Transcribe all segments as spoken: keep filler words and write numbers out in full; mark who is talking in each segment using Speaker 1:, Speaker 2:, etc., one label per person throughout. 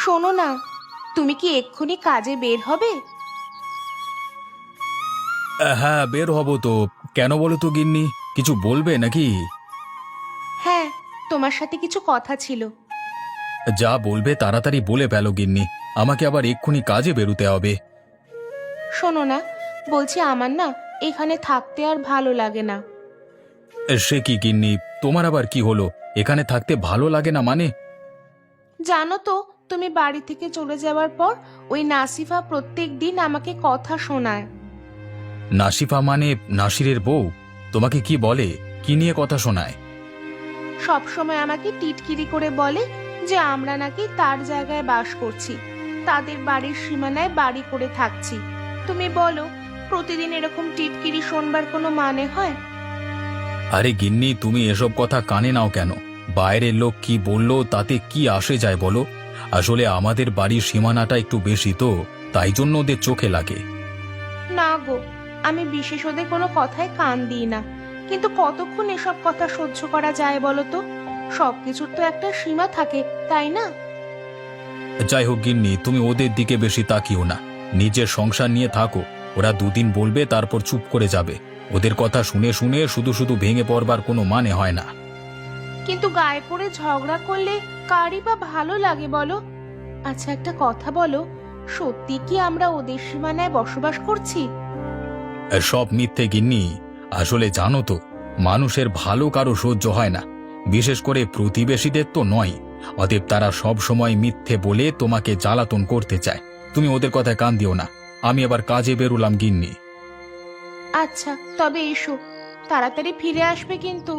Speaker 1: শোনো না, তুমি কি এক্ষুনি কাজে বের হবে?
Speaker 2: আহ, হ্যাঁ, বের হব তো। কেন বলো তো গিন্নি, কিছু বলবে নাকি?
Speaker 1: হ্যাঁ, তোমার সাথে কিছু কথা ছিল।
Speaker 2: যা বলবে তাড়াতাড়ি বলে ফেলো গিন্নি, আমাকে আবার এক্ষুনি কাজে বেরোতে হবে।
Speaker 1: শোনো না, বলছি আমার না এখানে থাকতে আর ভালো লাগে না।
Speaker 2: সে কি গিন্নি, তোমার আবার কি হলো? এখানে থাকতে ভালো লাগে না মানে?
Speaker 1: জানো তো, তুমি বাড়ি থেকে চলে যাওয়ার পর ওই নাসিফা প্রত্যেক দিন আমাকে কথা শোনায়।
Speaker 2: নাসিফা মানে নাসিরের বউ? তোমাকে কি বলে, কি নিয়ে কথা শোনায়?
Speaker 1: সব সময় আমাকে টিটকিরি করে বলে যে আমরা নাকি তার জায়গায় বাস করছি, তাদের বাড়ির সীমানায় বাড়ি করে থাকছি। তুমি বলো, প্রতিদিন এরকম টিটকিরি শোনবার কোনো মানে হয়?
Speaker 2: আরে গিন্নি, তুমি এসব কথা কানে নাও কেন? বাইরের লোক কি বললো তাতে কি আসে যায় বলো? আসলে আমাদের বাড়ির সীমানাটা একটু বেশি তো, তাই জন্য ওদের চোখে লাগে।
Speaker 1: না গো, আমি বিশেষ ওদের কোনো কথায় কান দিই না, কিন্তু কতক্ষণ এসব কথা সহ্য করা যায় বলো তো? সবকিছুর তো একটা সীমা থাকে, তাই না?
Speaker 2: যাই হোক গিন্নি, তুমি ওদের দিকে বেশি তাকিও না। নিজের সংসার নিয়ে থাকো। ওরা দুদিন বলবে, তারপর চুপ করে যাবে। ওদের কথা শুনে শুনে শুধু শুধু ভেঙে পড়বার কোনো মানে হয় না।
Speaker 1: কিন্তু গায়ে পড়ে ঝগড়া করলে কারই বা ভালো লাগে বলো? আচ্ছা একটা কথা বলো, সত্যি কি আমরা ওদের সীমানায় বসবাস করছি?
Speaker 2: সব মিথ্যে গিন্নি। আসলে জানো তো, মানুষের ভালো কারো সহ্য হয় না, বিশেষ করে প্রতিবেশীদের তো নয়। অতএব তারা সব সময় মিথ্যে বলে তোমাকে জ্বালাতন করতে চায়। তুমি ওদের কথায় কান দিও না। আমি আবার কাজে বেরোলাম গিন্নি।
Speaker 1: আচ্ছা তবে এসো, তাড়াতাড়ি ফিরে আসবে কিন্তু।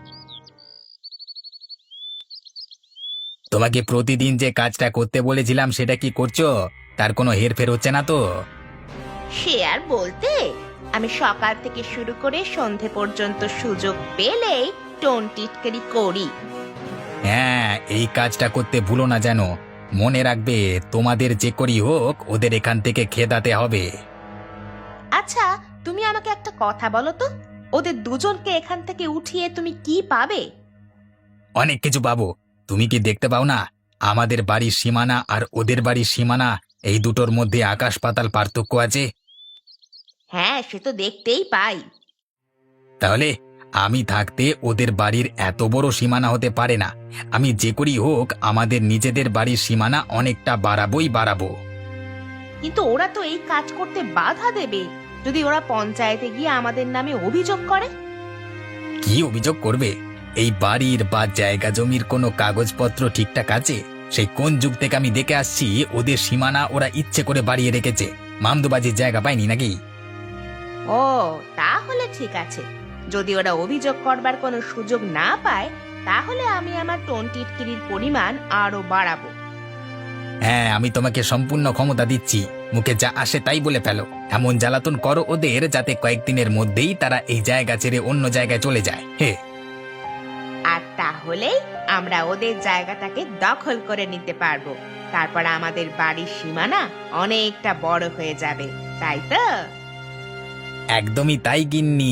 Speaker 3: তোমাকে প্রতিদিন যে কাজটা করতে বলেছিলাম সেটা কি করছো? তার কোনো হেরফের হচ্ছে না তো?
Speaker 1: সে আর বলতে, আমি সকাল থেকে শুরু করে সন্ধে পর্যন্ত সুযোগ পেলেই টোন টিটকারি করি।
Speaker 3: হ্যাঁ, এই কাজটা করতে ভুলো না যেন। মনে রাখবে, তোমাদের যে করি হোক ওদের এখান থেকে খেদাতে হবে।
Speaker 1: আচ্ছা, তুমি আমাকে একটা কথা বলো তো, ওদের দুজনকে এখান থেকে উঠিয়ে তুমি কি পাবে?
Speaker 3: অনেক কিছু পাবো। তুমি কি দেখতে পাও না, আমাদের বাড়ির সীমানা আর ওদের বাড়ির সীমানা, এই দুটোর মধ্যে আকাশ পাতাল পার্থক্য আছে।
Speaker 1: হ্যাঁ, সে তো দেখতেই পাই।
Speaker 3: তাহলে আমি থাকতে ওদের বাড়ির এত বড় সীমানা হতে পারে না। আমি যে করি হোক আমাদের নিজেদের বাড়ির সীমানা অনেকটা বাড়াবোই বাড়াবো।
Speaker 1: কিন্তু ওরা তো এই কাজ করতে বাধা দেবে, যদি ওরা পঞ্চায়েতে গিয়ে আমাদের নামে অভিযোগ করে।
Speaker 3: কি অভিযোগ করবে? এই বাড়ির বা জায়গা জমির কোনো কাগজপত্র ঠিকঠাক আছে? সেই কোন যুগ থেকে আমি দেখে আসছি ওদের সীমানা ওরা ইচ্ছে করে বাড়িয়ে রেখেছে। মামদুবাজির জায়গা পায়নি নাকি?
Speaker 1: ও, তাহলে ঠিক আছে। যদি ওরা অভিযোগ করবার কোনো সুযোগ না পায়, তাহলে আমি আমার টোন টিটকিরির পরিমাণ আরো বাড়াবো।
Speaker 3: হ্যাঁ, আমি তোমাকে সম্পূর্ণ ক্ষমতা দিচ্ছি। মুখে যা আসে তাই বলে ফেলো। এমন জ্বালাতন করো ওদের যাতে কয়েকদিনের মধ্যেই তারা এই জায়গা ছেড়ে অন্য জায়গায় চলে যায়। হে,
Speaker 1: আর তাহলেই আমরা ওদের জায়গাটাকে দখল করে নিতে পারবো। তারপর আমাদের বাড়ির সীমানা অনেকটা বড় হয়ে যাবে, তাই তো?
Speaker 3: একদমই তাই গিন্নি।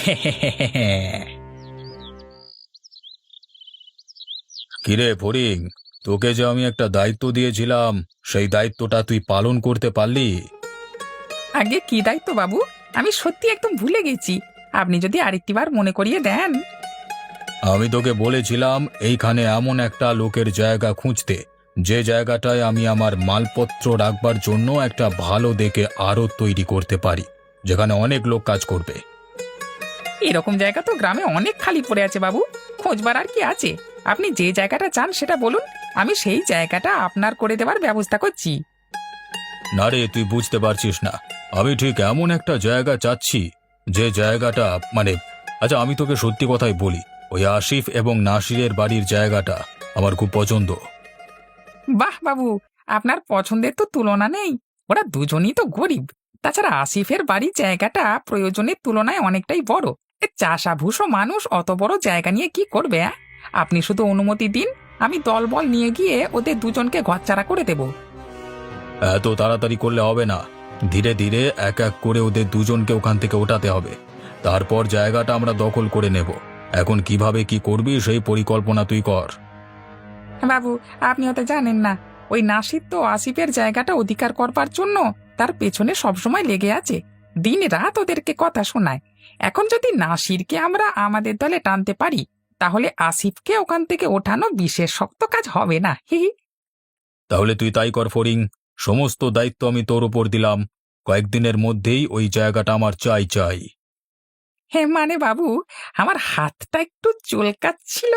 Speaker 2: কিরে ফড়িং, তোকে যে আমি একটা দায়িত্ব দিয়েছিলাম, সেই দায়িত্বটা তুই পালন করতে পারলি?
Speaker 4: আগে কি দায়িত্ব বাবু? আমি সত্যি একদম ভুলে গেছি। আপনি যদি আরেকটিবার মনে করিয়ে দেন।
Speaker 2: আমি তোকে বলেছিলাম এইখানে এমন একটা লোকের জায়গা খুঁজতে, যে জায়গাটায় আমি আমার মালপত্র রাখবার জন্য একটা ভালো দেখে আড়ত তৈরি করতে পারি, যেখানে অনেক লোক কাজ করবে।
Speaker 4: এরকম জায়গা তো গ্রামে অনেক খালি পড়ে আছে বাবু। খোঁজবার আর কি আছে? আপনি যে জায়গাটা চান সেটা বলুন, আমি সেই জায়গাটা আপনার করে দেওয়ার ব্যবস্থা করছি।
Speaker 2: না রে, তুই বুঝতে পারছিস না। আমি ঠিক এমন একটা জায়গা চাচ্ছি, যে জায়গাটা মানে আচ্ছা আমি তোকে সত্যি কথাই বলি, ওই আসিফ এবং নাসিরের বাড়ির জায়গাটা আমার খুব পছন্দ।
Speaker 4: বাহ বাবু, আপনার পছন্দের তো তুলনা নেই। ওরা দুজনই তো গরিব। তাছাড়া আসিফের বাড়ির জায়গাটা প্রয়োজনের তুলনায় অনেকটাই বড়। এ চাষাভুষো মানুষ অত বড় জায়গা নিয়ে কি করবে? অ্যাঁ? আপনি শুধু অনুমতি দিন, আমি দলবল নিয়ে গিয়ে ওদের দুজনকে ঘরছাড়া করে দেব।
Speaker 2: এত তাড়াতাড়ি করলে হবে না। ধীরে ধীরে এক এক করে ওদের দুজনকে ওখান থেকে ওঠাতে হবে। তারপর জায়গাটা আমরা দখল করে নেব। এখন কিভাবে কি করবি সেই পরিকল্পনা তুই কর।
Speaker 4: বাবু, আপনি হয়তো জানেন না, ওই নাসির তো আসিফের জায়গাটা অধিকার করবার জন্য তার পেছনে সবসময় লেগে আছে, দিন রাত ওদেরকে কথা শোনায়। এখন যদি নাসিরকে আমরা আমাদের দলে টানতে পারি, তাহলে আসিফকে ওখান থেকে ওঠানো বিশেষ শক্ত কাজ হবে না। হি হি।
Speaker 2: তাহলে তুই তাই কর ফড়িং, সমস্ত দায়িত্ব আমি তোর উপর দিলাম। কয়েকদিনের মধ্যেই ওই জায়গাটা আমার চাই চাই।
Speaker 4: হে মানে বাবু, আমার হাতটা একটু চুলকাচ্ছিল।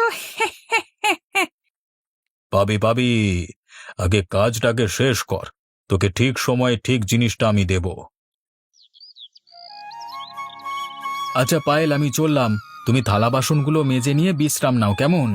Speaker 2: পাবি পাবি, আগে কাজটাকে শেষ কর, তোকে ঠিক সময়ে ঠিক জিনিসটা আমি দেব। আচ্ছা পায়েল, আমি চললাম, তুমি থালা বাসনগুলো মেজে নিয়ে বিশ্রাম নাও, কেমন?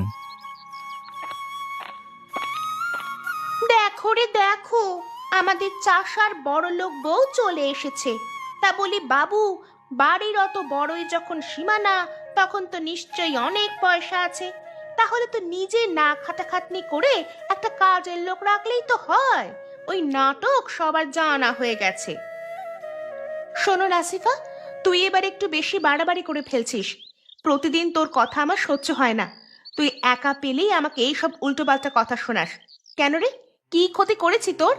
Speaker 1: দেখো রে দেখো, আমাদের চাষার বড় লোক বউ চলে এসেছে। তা বলি বাবু, বাড়ির অত বড়ই যখন সীমানা, তখন তো নিশ্চয়ই অনেক পয়সা আছে। তাহলে তো নিজে না খাটাখাটনি করে একটা কাজের লোক রাখলেই তো হয়। ওই নাটক সবার জানা হয়ে গেছে। শোনো নাসিফা, তুই এবার একটু বেশি বাড়াবাড়ি করে ফেলছিস। প্রতিদিন তোর কথা আমার সহ্য হয় না। তুই একা পেলেই আমাকে এইসব উল্টোপাল্টা কথা শোনাস। কেন রে, কি ক্ষতি করেছি তোর?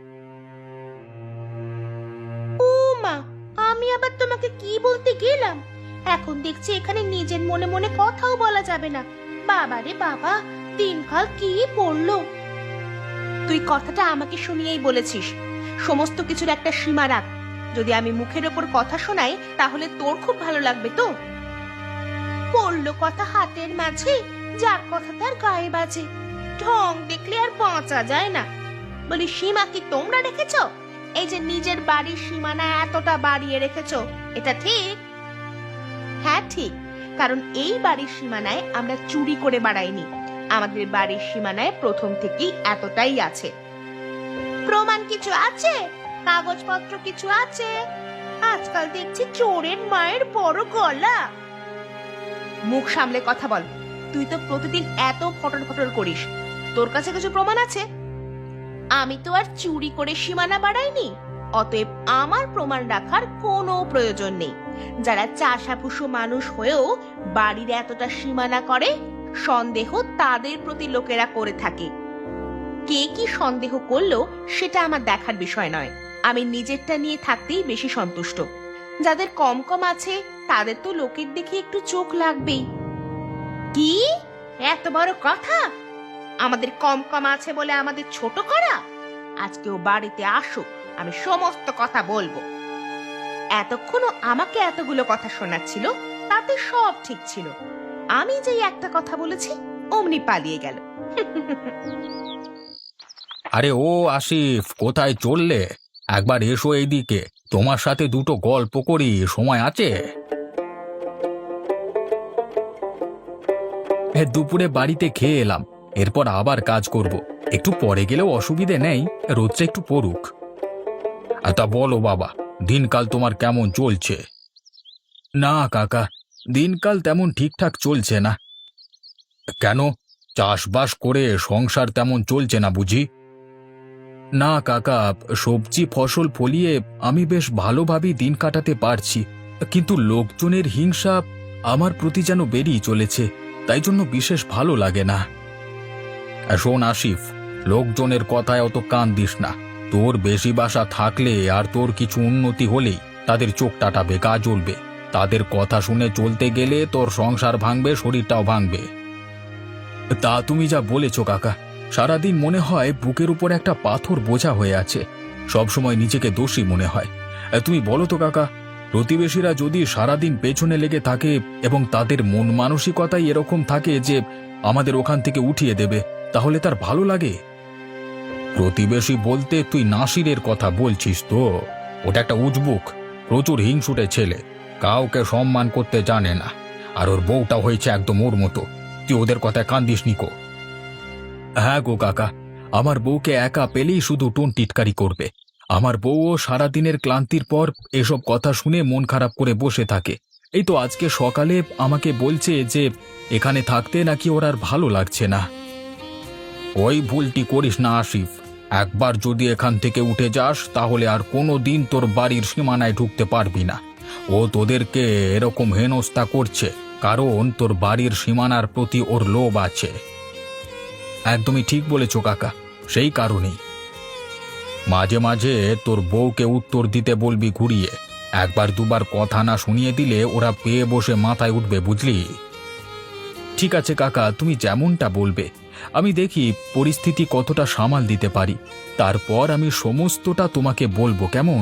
Speaker 1: ও মা, আমি আবার তোমাকে কি বলতে গেলাম? এখন দেখছি এখানে নিজের মনে মনে কথাও বলা যাবে না। বাবা রে বাবা, দিনকাল কি পড়লো। তুই কথাটা আমাকে শুনিয়েই বলেছিস। সমস্ত কিছুর একটা সীমা রাখ। যদি আমি মুখের ওপর কথা শোনাই, তাহলে তোর খুব ভালো লাগবে তো। পড়লো কথা হাতের মাঝে, যার কথা তার গায়ে বাজে। ঢং দেখলে আর বাঁচা যায় না। বলি, সীমা কি তোমরা রেখেছ? এই যে নিজের বাড়ির সীমানা এতটা বাড়িয়ে রেখেছ, এটা ঠিক? হ্যাঁ ঠিক, কারণ এই বাড়ির সীমানায় আমরা চুরি করে বাড়াইনি। আমাদের বাড়ির সীমানায় প্রথম থেকেই এতটাই আছে। প্রমাণ কিছু আছে? কাগজপত্র কিছু আছে? আজকাল দেখছি চোরের মায়ের বড় গলা। মুখ সামলে কথা বল। তুই তো প্রতিদিন এত ফটর ফটর করিস, তোর কাছে কিছু প্রমাণ আছে? আমি তো আর চুরি করে সীমানা বাড়াইনি, অতএব আমার প্রমাণ রাখার কোনো প্রয়োজন নেই। যারা চাষাভুষো মানুষ হয়েও বাড়ির এতটা সীমানা করে, সন্দেহ তাদের প্রতি লোকেরা করে থাকে। কে কি সন্দেহ করলো সেটা আমার দেখার বিষয় নয়। আমি নিজেরটা নিয়ে থাকতেই বেশি সন্তুষ্ট। যাদের কম কম আছে, তাদের তো লোকের দেখে একটু চোখ লাগবেই। কি এত বড় কথা? আমাদের কম কম আছে বলে আমাদের ছোট করা? আজকেও বাড়িতে আসো, আমি সমস্ত কথা বলবো। এতক্ষণও আমাকে এতগুলো কথা শোনাচ্ছিল, তাতে সব ঠিক ছিল। আমি যেই একটা কথা বলেছি, অমনি পালিয়ে গেল।
Speaker 2: আরে ও আসিফ, কোথায় চললে? একবার এসো এইদিকে, তোমার সাথে দুটো গল্প করি, সময় আছে? হ্যাঁ, দুপুরে বাড়িতে খেয়ে এলাম, এরপর আবার কাজ করব। একটু পরে গেলেও অসুবিধে নেই, রোদটা একটু পড়ুক। আর তা বলো বাবা, দিনকাল তোমার কেমন চলছে? না কাকা, দিনকাল তেমন ঠিকঠাক চলছে না। কেন, চাষবাস করে সংসার তেমন চলছে না বুঝি? না কাকা, সবজি ফসল ফলিয়ে আমি বেশ ভালোভাবেই দিন কাটাতে পারছি, কিন্তু লোকজনের হিংসা আমার প্রতি যেন বেরিয়ে চলেছে, তাই জন্য বিশেষ ভালো লাগে না। শোন আসিফ, লোকজনের কথায় অত কান দিস না। তোর বেশি বাসা থাকলে আর তোর কিছু উন্নতি হলেই তাদের চোখ টাটাবে, গা জ্বলবে। তাদের কথা শুনে চলতে গেলে তোর সংসার ভাঙবে, শরীরটাও ভাঙবে। তা তুমি যা বলেছ কাকা, সারাদিন মনে হয় বুকের উপর একটা পাথর বোঝা হয়ে আছে, সবসময় নিজেকে দোষী মনে হয়। তুমি বলো তো কাকা, প্রতিবেশীরা যদি সারাদিন পেছনে লেগে থাকে এবং তাদের মন মানসিকতাই এরকম থাকে যে আমাদের ওখান থেকে উঠিয়ে দেবে, তাহলে তার ভালো লাগে? প্রতিবেশী বলতে তুই নাসিরের কথা বলছিস তো? ওটা একটা উজবুক, প্রচুর হিংসুটে ছেলে, কাউকে সম্মান করতে জানে না। আর ওর বউটা হয়েছে একদম ওর মতো। তুই ওদের কথায় কান দিস নিকো। হ্যাঁ গো কাকা, আমার বউকে একা পেলেই শুধু টোন টিটকারি করবে। আমার বউও সারাদিনের ক্লান্তির পর এসব কথা শুনে মন খারাপ করে বসে থাকে। এই তো আজকে সকালে আমাকে বলছে যে এখানে থাকতে নাকি ওর আর ভালো লাগছে না। ওই ভুলটি করিস না আসিফ, একবার যদি এখান থেকে উঠে যাস তাহলে আর কোনো দিন তোর বাড়ির সীমানায় ঢুকতে পারবি না। ও তোদেরকে এরকম হেনস্থা করছে কারণ তোর বাড়ির সীমানার প্রতি ওর লোভ আছে। একদমই ঠিক বলেছ কাকা, সেই কারণেই মাঝে মাঝে তোর বউকে উত্তর দিতে বলবি ঘুরিয়ে। একবার দুবার কথা না শুনিয়ে দিলে ওরা পেয়ে বসে মাথায় উঠবে, বুঝলি? ঠিক আছে কাকা, তুমি যেমনটা বলবে। আমি দেখি পরিস্থিতি কতটা সামাল দিতে পারি, তারপর আমি সমস্তটা তোমাকে বলবো, কেমন?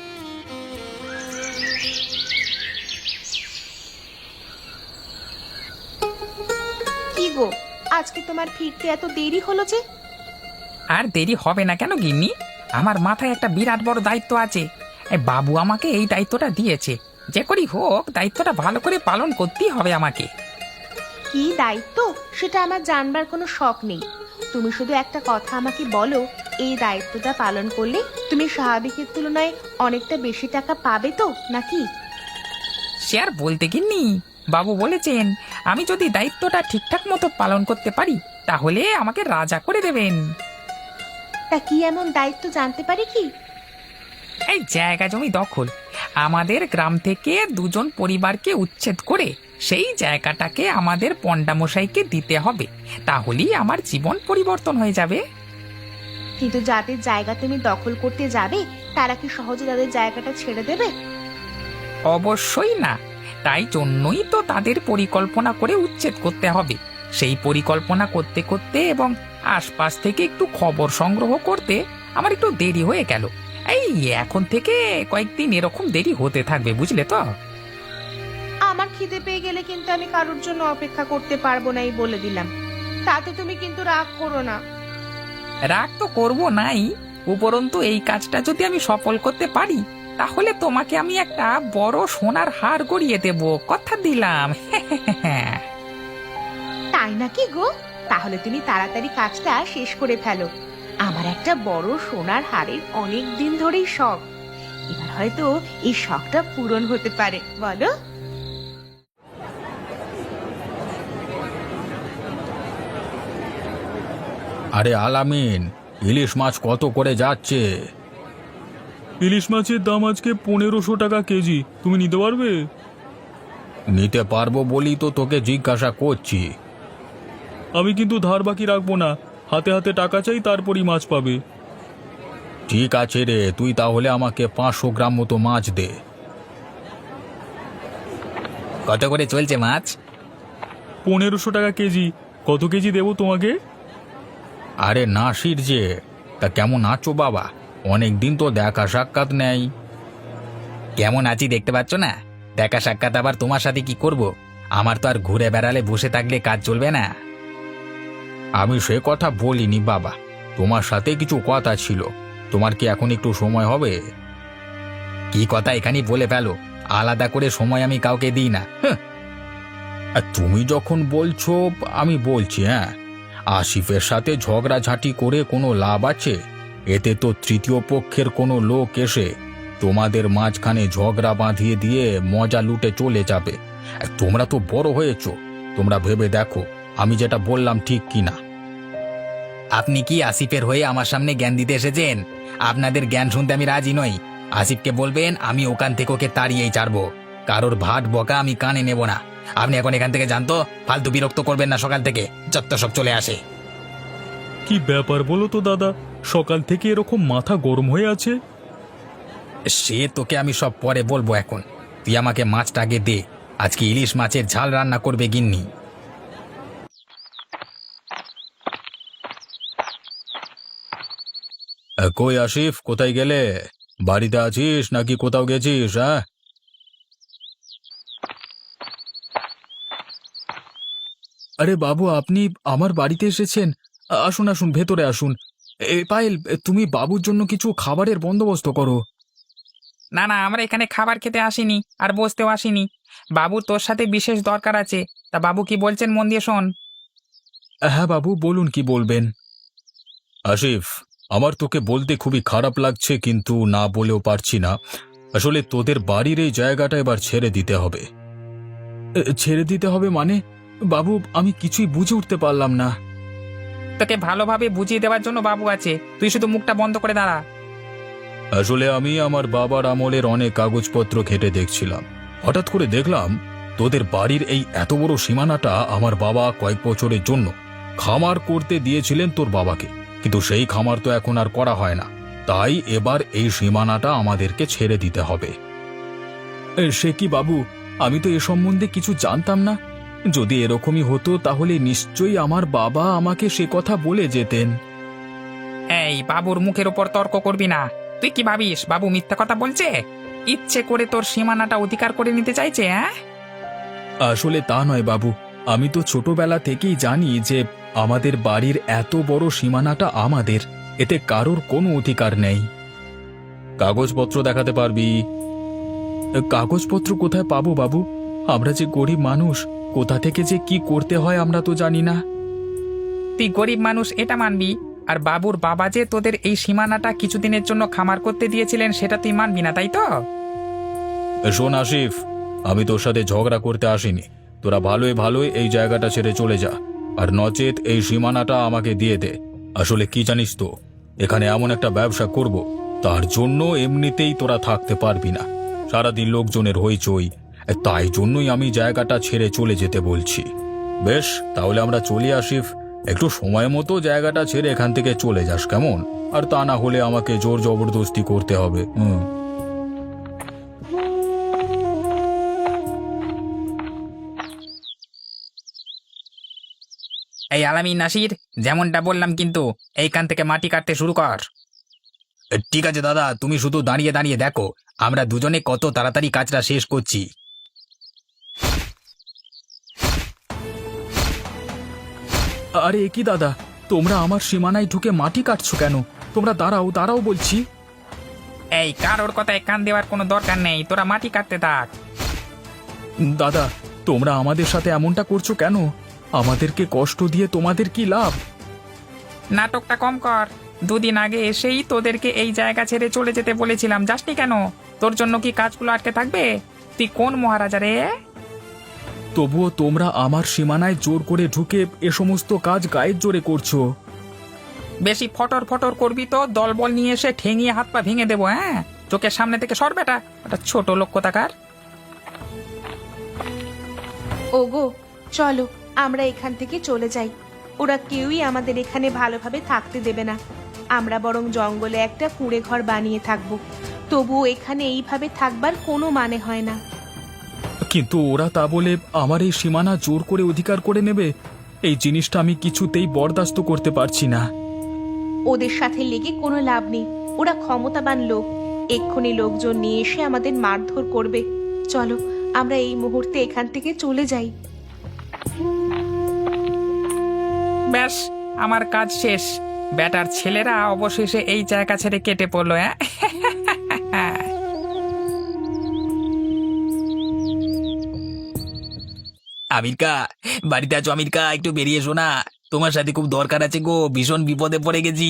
Speaker 1: কি গো, আজকে তোমার ফিরতে এত দেরি হলো যে?
Speaker 4: আর দেরি হবে না কেন গিন্নি? আমার মাথায় একটা বিরাট বড় দায়িত্ব আছে। এই বাবু আমাকে এই দায়িত্বটা দিয়েছে, যে করি হোক দায়িত্বটা ভালো করে পালন করতেই হবে আমাকে।
Speaker 1: কি দায়িত্ব সেটা আমার জানবার কোনো শখ নেই। তুমি শুধু একটা কথা আমাকে বলো, এই দায়িত্বটা পালন করলে তুমি স্বাভাবিকের তুলনায় অনেকটা বেশি টাকা পাবে তো নাকি?
Speaker 4: সে আর বলতে গিন্নি, বাবু বলেছেন আমি যদি দায়িত্বটা ঠিকঠাক মতো পালন করতে পারি তাহলে আমাকে রাজা করে দেবেন।
Speaker 1: তা কি এমন দায়িত্ব জানতে পারি কি?
Speaker 4: এই জায়গা জমি দখল, আমাদের গ্রাম থেকে দুজন পরিবারকে উচ্ছেদ করে সেই জায়গাটাকে আমাদের পণ্ডামশাইকে দিতে হবে, তাহলেই আমার জীবন পরিবর্তন হয়ে যাবে।
Speaker 1: কিন্তু যাদের জায়গা তুমি দখল করতে যাবে তারা কি সহজে তাদের জায়গাটা ছেড়ে দেবে?
Speaker 4: অবশ্যই না, তাই জন্যই তো তাদের পরিকল্পনা করে উচ্ছেদ করতে হবে। সেই পরিকল্পনা করতে করতে এবং আশপাশ থেকে একটু খবর সংগ্রহ করতে আমার একটু দেরি হয়ে গেল। এই এখন থেকে কয়েকদিন এরকম দেরি হতে থাকবে, বুঝলে তো?
Speaker 1: আমার খিদে পেয়ে গেলে কিন্তু আমি কারোর জন্য অপেক্ষা করতে পারবো না, এই বলে দিলাম। তাতে তুমি কিন্তু রাগ করো না।
Speaker 4: রাগ তো করবো নাই, উপরন্তু এই কাজটা যদি আমি সফল করতে পারি তাহলে তোমাকে আমি একটা বড় সোনার হার গড়িয়ে দেব, কথা দিলাম।
Speaker 1: তাই নাকি গো? তাহলে তুমি তাড়াতাড়ি কাজটা শেষ করে ফেলো। আমার একটা বড় সোনার হারের অনেক দিন ধরেই শখ, এবার হয়তো এই শখটা পূরণ হতে পারে, বলো?
Speaker 2: আরে আলামিন, ইলিশ মাছ কত করে যাচ্ছে?
Speaker 5: ইলিশ মাছের দাম আজকে পনেরোশো টাকা কেজি। তুমি নিতে পারবে?
Speaker 2: নিতে পারবো বলি তো তোকে জিজ্ঞাসা করছি।
Speaker 5: আমি কিন্তু ধার বাকি রাখবো না, হাতে হাতে টাকা চাই, তারপরই মাছ পাবে।
Speaker 2: ঠিক আছে রে, তুই তাহলে আমাকে পাঁচশো গ্রাম মতো মাছ দে।
Speaker 3: কত করে চলছে মাছ?
Speaker 5: পনেরোশো টাকা কেজি। কত কেজি দেবো তোমাকে?
Speaker 2: আরে নাসির যে, তা কেমন আছো বাবা? অনেক দিন তো দেখা সাক্ষাৎ নেই।
Speaker 3: কেমন আছি দেখতে পাচ্ছ না? দেখা সাক্ষাৎ আবার তোমার সাথে কি করব? আমার তো আর ঘুরে বেড়ালে বসে থাকলে কাজ চলবে না।
Speaker 2: আমি সে কথা বলিনি বাবা, তোমার সাথে কিছু কথা ছিল। তোমার কি এখন একটু সময় হবে?
Speaker 3: কি কথা এখানেই বলে ফেলো, আলাদা করে সময় আমি কাউকে দিই না।
Speaker 2: হ্যাঁ, আর তুমি যখন বলছো আমি বলছি। হ্যাঁ, আসিফের সাথে ঝগড়াঝাঁটি করে কোনো লাভ আছে? এতে তো তৃতীয় পক্ষের কোনো লোক এসে তোমাদের মাঝখানে ঝগড়া বাঁধিয়ে দিয়ে মজা লুটে চলে যাবে। আর তোমরা তো বড় হয়েছো, তোমরা ভেবে দেখো আমি যেটা বললাম ঠিক কিনা।
Speaker 3: আপনি কি আসিফের হয়ে আমার সামনে জ্ঞান দিতে এসেছেন? আপনাদের জ্ঞান শুনতে আমি রাজি নই। আসিফকে বলবেন আমি ওখান থেকে ওকে তাড়িয়েই ছাড়বো। কারোর ভাট বকা আমি কানে নেব না। আপনি এখন এখান থেকে জানতো, ফালতু বিরক্ত করবেন না সকাল থেকে, যত সব চলে আসে।
Speaker 5: কি ব্যাপার বলো তো দাদা, সকাল থেকে এরকম মাথা গরম হয়ে আছে?
Speaker 3: সে তোকে আমি সব পরে বলবো, এখন তুই আমাকে মাছটা আগে দে। আজকে ইলিশ মাছের ঝাল রান্না করবে গিন্নি।
Speaker 2: আহ, কই আসিফ, কোথায় গেলে? বাড়িতে আছিস নাকি কোথাও গেছিস? হ্যাঁ, আরে বাবু, আপনি আমার বাড়িতে এসেছেন? আসুন আসুন, ভেতরে আসুন। এ পায়েল, তুমি বাবুর জন্য কিছু খাবারের বন্দোবস্ত করো।
Speaker 4: না না, আমরা এখানে খাবার খেতে আসিনি আর বসতেও আসিনি। বাবু তোর সাথে বিশেষ দরকার আছে, তা বাবু কি বলছেন মন দিয়ে শোন।
Speaker 2: হ্যাঁ বাবু, বলুন কি বলবেন। আসিফ, আমার তোকে বলতে খুবই খারাপ লাগছে, কিন্তু না বলেও পারছি না। আসলে তোদের বাড়ির এই জায়গাটা এবার ছেড়ে দিতে হবে। এ, ছেড়ে দিতে হবে মানে? বাবু, আমি কিছুই বুঝে উঠতে পারলাম না।
Speaker 4: তোকে ভালোভাবে বুঝিয়ে দেওয়ার জন্য বাবু আছে, তুই শুধু মুখটা বন্ধ করে দাঁড়া।
Speaker 2: আসলে আমি আমার বাবার আমলের অনেক কাগজপত্র ঘেটে দেখছিলাম। হঠাৎ করে দেখলাম তোদের বাড়ির এই এত বড় সীমানাটা আমার বাবা কয়েক বছরের জন্য খামার করতে দিয়েছিলেন তোর বাবাকে, কিন্তু সেই খামার তো এখন আর করা হয় না, তাই এবার এই সীমানাটা আমাদেরকে ছেড়ে দিতে হবে। সে কি বাবু, আমি তো এ সম্বন্ধে কিছু জানতাম না। যদি এরকমই হতো তাহলে নিশ্চয়ই আমার বাবা আমাকে সে কথা বলে যেতেন।
Speaker 4: এই বাবুর মুখের উপর তর্ক করবি না। তুই কি ভাবিস বাবু মিথ্যা কথা বলছে? ইচ্ছে করে তোর সীমানাটা অধিকার করে নিতে চাইছে, হ্যাঁ?
Speaker 2: আসলে তা নয় বাবু, আমি তো ছোটবেলা থেকেই জানি যে আমাদের বাড়ির এত বড় সীমানাটা আমাদের, এতে কারোর কোনো অধিকার নেই। কাগজপত্র দেখাতে পারবি? কাগজপত্র কোথায় পাবো বাবু? আমরা যে গরিব মানুষ, কোথা থেকে যে কি করতে হয় আমরা তো জানি না।
Speaker 4: তুই গরিব মানুষ এটা মানবি, আর বাবুর বাবা যে তোদের এই সীমানাটা কিছুদিনের জন্য খামার করতে দিয়েছিলেন সেটা তুই মানবি না, তাই তো?
Speaker 2: শোন আসিফ, আমি তোর সাথে ঝগড়া করতে আসিনি। তোরা ভালোই ভালোই এই জায়গাটা ছেড়ে চলে যা, আর নচেত এই সীমানাটা আমাকে দিয়ে দে। আসলে কি জানিস তো, এখানে এমন একটা ব্যবসা করব, তার জন্য এমনিতেই তোরা থাকতে পারবি না। সারাদিন লোকজনের হইচই, তাই জন্যই আমি জায়গাটা ছেড়ে চলে যেতে বলছি। বেশ, তাহলে আমরা চলি আসিফ। একটু সময় মতো জায়গাটা ছেড়ে এখান থেকে চলে যাস, কেমন? আর তা না হলে আমাকে জোর জবরদস্তি করতে হবে। হুম।
Speaker 4: এই আলামিন, নাসির, যেমনটা বললাম কিন্তু এইখান থেকে মাটি কাটতে শুরু কর।
Speaker 3: ঠিক আছে দাদা, তুমি শুধু দাঁড়িয়ে দাঁড়িয়ে দেখো আমরা দুজনে কত তাড়াতাড়ি কাজটা শেষ করছি।
Speaker 2: আরে কি দাদা, তোমরা আমার সীমানায় ঢুকে মাটি কাটছো কেন? তোমরা দাঁড়াও দাঁড়াও বলছি।
Speaker 4: এই কারোর কথায় কান দেওয়ার কোনো দরকার নেই, তোরা মাটি কাটতে থাক।
Speaker 2: দাদা, তোমরা আমাদের সাথে এমনটা করছো কেন? আমাদেরকে কষ্ট দিয়ে তোমাদের কি লাভ?
Speaker 4: নাটকটা কম কর। দুদিন আগে এসেই তোদেরকে এই জায়গা ছেড়ে চলে যেতে বলেছিলাম, যাসনি কেন? তোর জন্য কি কাজগুলো আটকে থাকবে? তুই কোন মহারাজা রে?
Speaker 2: তবুও তোমরা আমার সীমানায় জোর করে ঢুকে এ সমস্ত কাজ গায়ের জোরে করছো।
Speaker 4: বেশি ফটর ফটর করবি তো দলবল নিয়ে এসে ঠেঙিয়ে হাত পা ভেঙে দেবো, হ্যাঁ? চোখের সামনে থেকে সর বেটা, ওটা ছোট লোক কোথাকার।
Speaker 1: ওগো, চলো আমরা এখান থেকে চলে যাই। ওরা কেউই আমাদের এখানে ভালোভাবে থাকতে দেবে না। আমরা বরং জঙ্গলে একটা কুঁড়ে ঘর বানিয়ে থাকবো। তবুও এখানে এইভাবে থাকবার কোনো মানে হয় না।
Speaker 2: কিন্তু ওরা তা বলে আমার এই সীমানা জোর করে অধিকার করে নেবে, এই জিনিসটা আমি কিছুতেই বরদাস্ত করতে পারছি না।
Speaker 1: ওদের সাথে লেগে কোনো লাভ নেই। ওরা ক্ষমতাবান লোক, এক্ষুনি লোকজন নিয়ে এসে আমাদের মারধর করবে। চলো আমরা এই মুহূর্তে এখান থেকে চলে যাই।
Speaker 4: ব্যাস, আমার কাজ শেষ। বেটার ছেলেরা অবশেষে এই জায়গা ছেড়ে কেটে পড়লো, হ্যাঁ?
Speaker 3: আমিরকা, বাড়িতে আছো? আমিরকা, একটু বেরিয়ে এসো না, তোমার সাথে খুব দরকার আছে গো, ভীষণ বিপদে পড়ে গেছি।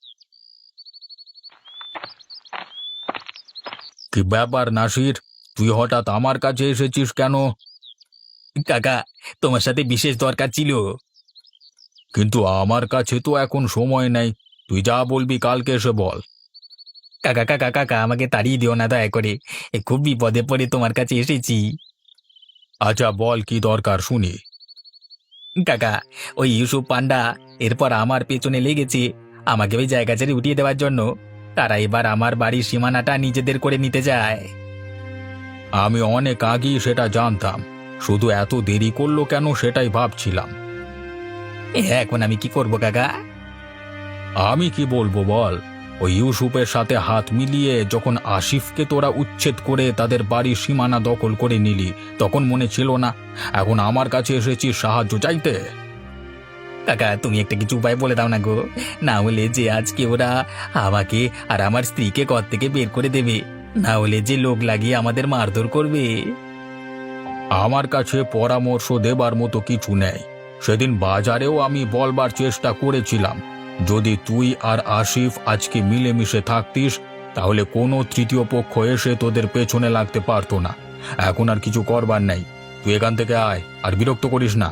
Speaker 2: কি ব্যাপার নাসির, তুই হঠাৎ আমার কাছে এসেছিস কেন?
Speaker 3: কাকা, তোমার সাথে বিশেষ দরকার ছিল।
Speaker 2: কিন্তু আমার কাছে তো এখন সময় নেই, তুই যা বলবি কালকে এসে বল।
Speaker 3: কাকা কাকা কাকা, আমাকে তাড়িয়ে দিও না দয়া করে, এ খুব বিপদে পড়ে তোমার কাছে এসেছি।
Speaker 2: আচ্ছা বল, কি দরকার শুনি।
Speaker 3: কাকা, ওই ইউসুফ পান্ডা এরপর আমার পেছনে লেগেছে আমাকে ওই জায়গা ছেড়ে উঠিয়ে দেওয়ার জন্য। তারা এবার আমার বাড়ির সীমানাটা নিজেদের করে নিতে চায়।
Speaker 2: আমি অনেক আগেই সেটা জানতাম, শুধু এত দেরি করলো কেন সেটাই ভাবছিলাম।
Speaker 3: এ, এখন আমি কি করব কাকা?
Speaker 2: আমি কি বলবো বল, ওই ইউসুফের সাথে হাত মিলিয়ে যখন আসিফকে তোরা উচ্ছেদ করে তাদের বাড়ির সীমানা দখল করে নিলি, তখন মনে ছিল না এখন আমার কাছে এসেছিস সাহায্য চাইতে?
Speaker 3: কাকা, তুমি একটা কিছু উপায় বলে দাও না গো, না হলে যে আজকে ওরা আমাকে আর আমার স্ত্রীকে ঘর থেকে বের করে দেবে, না হলে যে লোক লাগিয়ে আমাদের মারধর করবে।
Speaker 2: আমার কাছে পরামর্শ দেবার মতো কিছু নেই। সেদিন বাজারেও আমি বলবার চেষ্টা করেছিলাম, যদি তুই আর আসিফ আজকে মিলেমিশে থাকতিস তাহলে কোনো তৃতীয় পক্ষ এসে তোদের পেছনে লাগতে পারতো না। এখন আর কিছু করবার নেই, তুই এখান থেকে আয়, আর বিরক্ত করিস না।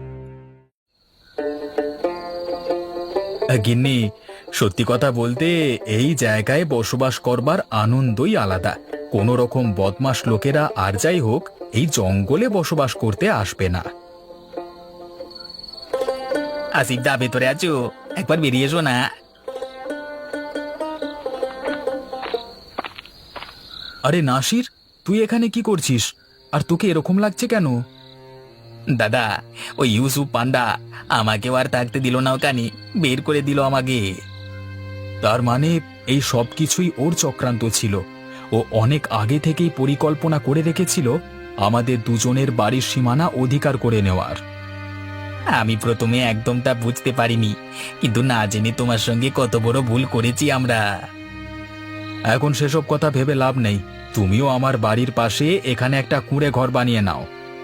Speaker 3: গিন্নি, সত্যি কথা বলতে এই জায়গায় বসবাস করবার আনন্দই আলাদা। কোনো রকম বদমাশ লোকেরা আর যাই হোক এই জঙ্গলে বসবাস করতে আসবে না। আসিফ দা ভেতরে আছো? একবার বেরিয়ে এসো না।
Speaker 2: আরে নাসির, তুই এখানে কি করছিস? আর তোকে এরকম লাগছে কেন?
Speaker 3: দাদা, ওই ইউসুফ পান্ডা আমাকেও আর থাকতে দিল না, ওখানে বের করে দিল আমাকে।
Speaker 2: তার মানে এই সব কিছুই ওর চক্রান্ত ছিল। ও অনেক আগে থেকেই পরিকল্পনা করে রেখেছিল আমাদের দুজনের বাড়ির সীমানা অধিকার করে নেওয়ার।
Speaker 3: আমি প্রথমে একদম তা বুঝতে পারিনি, কিন্তু না জেনে তোমার সঙ্গে কত বড় ভুল করেছি আমরা।
Speaker 2: এখন সেসব কথা ভেবে লাভ নেই। তুমিও আমার বাড়ির পাশে এখানে একটা কুঁড়ে ঘর বানিয়ে নাও।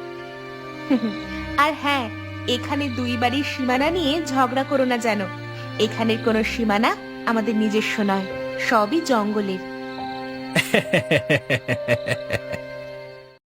Speaker 1: আর হ্যাঁ, এখানে দুই বাড়ির সীমানা নিয়ে ঝগড়া করো না যেন। এখানের কোনো সীমানা আমাদের নিজস্ব নয়, সবই জঙ্গলের।